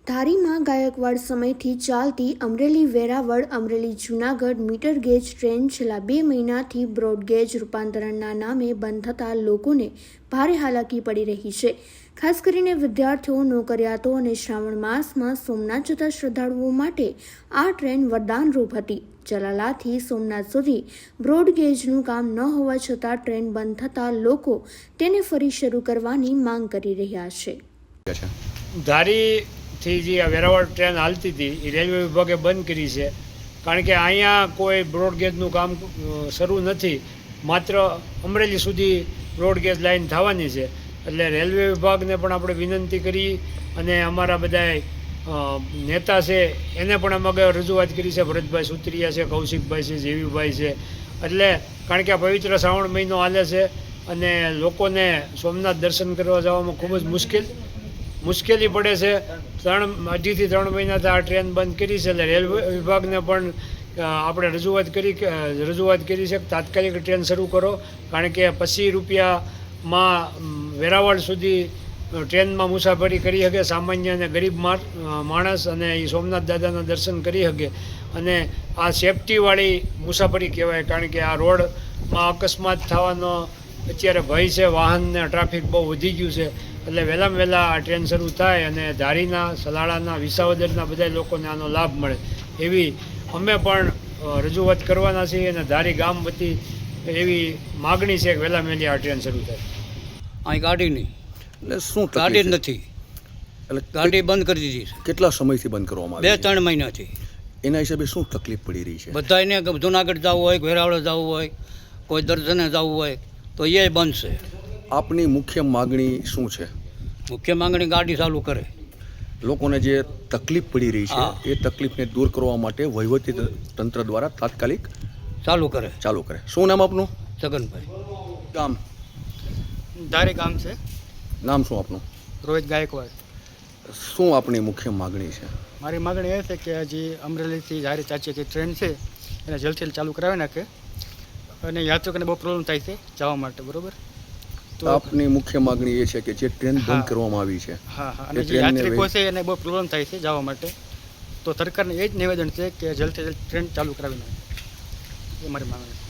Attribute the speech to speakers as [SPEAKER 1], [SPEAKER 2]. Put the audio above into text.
[SPEAKER 1] ધારીમાં ગાયકવાડ સમયથી ચાલતી Amreli Veraval Amreli Junagadh meter gauge train છેલ્લા 2 મહિનાથી બ્રોડગેજ રૂપાંતરણના નામે બંધ થતાં લોકોને ભારે હાલાકી પડી રહી છે. ખાસ કરીને વિદ્યાર્થીઓ, નોકરિયાતો અને શ્રાવણ માસમાં સોમનાથ જતા શ્રદ્ધાળુઓ માટે આ ટ્રેન વરદાનરૂપ હતી. જલાલાથી સોમનાથ સુધી બ્રોડગેજનું કામ ન હોવા છતાં ટ્રેન બંધ થતાં લોકો તેને ફરી શરૂ કરવાની માંગ કરી રહ્યા છે.
[SPEAKER 2] ધારીથી જે આ વેરાવળ ટ્રેન હાલતી હતી એ રેલવે વિભાગે બંધ કરી છે, કારણ કે અહીંયા કોઈ બ્રોડગેજનું કામ શરૂ નથી. માત્ર અમરેલી સુધી બ્રોડગેજ લાઇન થવાની છે. એટલે રેલવે વિભાગને પણ આપણે વિનંતી કરી અને અમારા બધા નેતા છે એને પણ અમે રજૂઆત કરી છે. ભરતભાઈ સુત્રિયા છે, કૌશિકભાઈ છે, જેવીભાઈ છે. એટલે કારણ કે આ પવિત્ર શ્રાવણ મહિનો હાલે છે અને લોકોને સોમનાથ દર્શન કરવા જવામાં ખૂબ જ મુશ્કેલી પડે છે. 2.5 થી 3 મહિનાથી આ ટ્રેન બંધ કરી છે. એટલે રેલવે વિભાગને પણ આપણે રજૂઆત કરી છે કે તાત્કાલિક ટ્રેન શરૂ કરો, કારણ કે 25 રૂપિયામાં વેરાવળ સુધી ટ્રેનમાં મુસાફરી કરી શકે સામાન્ય અને ગરીબ માણસ, અને એ સોમનાથ દાદાના દર્શન કરી શકે. અને આ સેફટીવાળી મુસાફરી કહેવાય, કારણ કે આ રોડમાં અકસ્માત થવાનો અત્યારે ભય છે. વાહનને ટ્રાફિક બહુ વધી ગયું છે. એટલે વહેલામાં વહેલા આ ટ્રેન શરૂ થાય અને ધારીના, સલાળાના, વિસાવદરના બધા લોકોને આનો લાભ મળે એવી અમે પણ રજૂઆત કરવાના છીએ. અને ધારી ગામ વતી એવી માગણી છે કે વહેલામાં વહેલી આ ટ્રેન શરૂ થાય.
[SPEAKER 3] અહીં ગાડી નહીં,
[SPEAKER 4] એટલે શું
[SPEAKER 3] ગાડી જ નથી,
[SPEAKER 4] એટલે
[SPEAKER 3] ગાડી બંધ કરી દીધી છે
[SPEAKER 4] કેટલા સમયથી બંધ કરવામાં આવી
[SPEAKER 3] 2-3 મહિનાથી.
[SPEAKER 4] એના હિસાબે શું તકલીફ પડી રહી છે?
[SPEAKER 3] બધાને જુનાગઢ જવું હોય, વેરાવળ જવું હોય, કોઈ દર્શને જવું હોય તો એ બંધ છે.
[SPEAKER 4] આપની મુખ્ય માગણી શું છે?
[SPEAKER 3] મુખ્ય માંગણી ગાડી ચાલુ કરે.
[SPEAKER 4] લોકોને જે તકલીફ પડી રહી
[SPEAKER 3] હા.
[SPEAKER 4] છે એ તકલીફને દૂર કરવા માટે વહીવટી તંત્ર દ્વારા તાત્કાલિક
[SPEAKER 3] ચાલુ કરે.
[SPEAKER 4] શું નામ આપનું?
[SPEAKER 3] છગનભાઈ.
[SPEAKER 4] ગામ?
[SPEAKER 5] ધારી ગામ છે.
[SPEAKER 4] નામ શું આપનું?
[SPEAKER 5] રોહિત ગાયકવાડ.
[SPEAKER 4] શું આપની મુખ્ય માગણી છે?
[SPEAKER 5] મારી માગણી એ છે કે હજી અમરેલીથી ધારી ચાચીથી ટ્રેન છે એને જલ્દીથી ચાલુ કરાવી નાખે, અને યાત્રિકોને બહુ પ્રોબ્લેમ થાય છે જવા માટે. બરોબર, તો
[SPEAKER 4] આપની મુખ્ય માગણી એ છે કે જે ટ્રેન બંધ કરવામાં આવી છે,
[SPEAKER 5] હા, અને જે યાત્રિકો છે એને બહુ પ્રોબ્લેમ થાય છે જવા માટે, તો સરકારને એ જ નિવેદન છે કે જલ્દીથી ટ્રેન ચાલુ કરાવી નાખે. એ મારી માગણી છે.